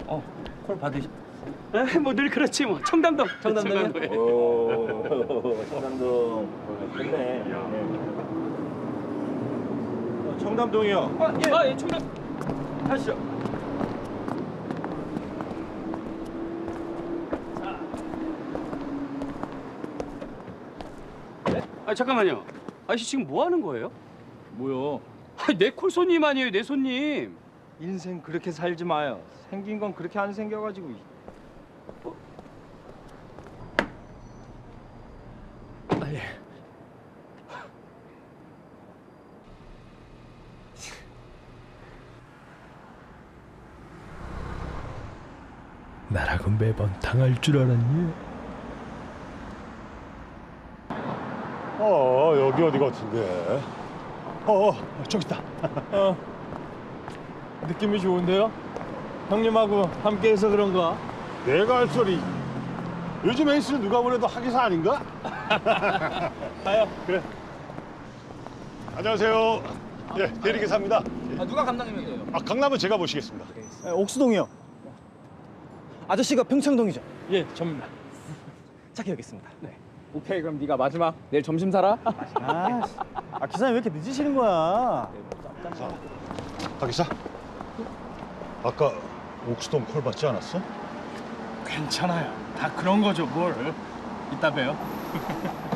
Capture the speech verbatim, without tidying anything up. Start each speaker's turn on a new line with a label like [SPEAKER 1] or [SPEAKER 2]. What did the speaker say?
[SPEAKER 1] 어, 콜 받으시.
[SPEAKER 2] 뭐 늘 그렇지 뭐. 청담동.
[SPEAKER 1] 청담동이요? 오, 청담동. 좋네. 네.
[SPEAKER 3] 어, 청담동이요.
[SPEAKER 2] 아, 예. 아, 예, 청담.
[SPEAKER 3] 하시죠.
[SPEAKER 2] 아, 잠깐만요. 아저씨 지금 뭐 하는 거예요?
[SPEAKER 3] 뭐요?
[SPEAKER 2] 아, 내 콜 손님 아니에요, 내 손님.
[SPEAKER 3] 인생 그렇게 살지 마요. 생긴 건 그렇게 안 생겨가지고.
[SPEAKER 2] 아, 예.
[SPEAKER 4] 나라고 매번 당할 줄 알았니?
[SPEAKER 5] 어 여기 어디 같은데? 어, 어 저기 있다.
[SPEAKER 3] 어. 느낌이 좋은데요? 형님하고 함께해서 그런가?
[SPEAKER 5] 내가 할 소리. 요즘 에이스는 누가 보내도 하기사 아닌가?
[SPEAKER 3] 가요.
[SPEAKER 5] 그래. 안녕하세요. 예, 대리기사입니다.
[SPEAKER 1] 아, 누가 감독님이세요?
[SPEAKER 5] 아 강남은 제가 모시겠습니다.
[SPEAKER 3] 네, 옥수동이요. 아저씨가 평창동이죠? 예, 접니다. 착해 여겠습니다. 네.
[SPEAKER 6] 오케이, 그럼 네가 마지막 내일 점심 사라.
[SPEAKER 3] 아, 아 기사님 왜 이렇게 늦으시는 거야?
[SPEAKER 5] 자, 박기사. 아까 옥수동 콜 받지 않았어?
[SPEAKER 3] 괜찮아요. 다 그런 거죠, 뭘. 이따 봬요.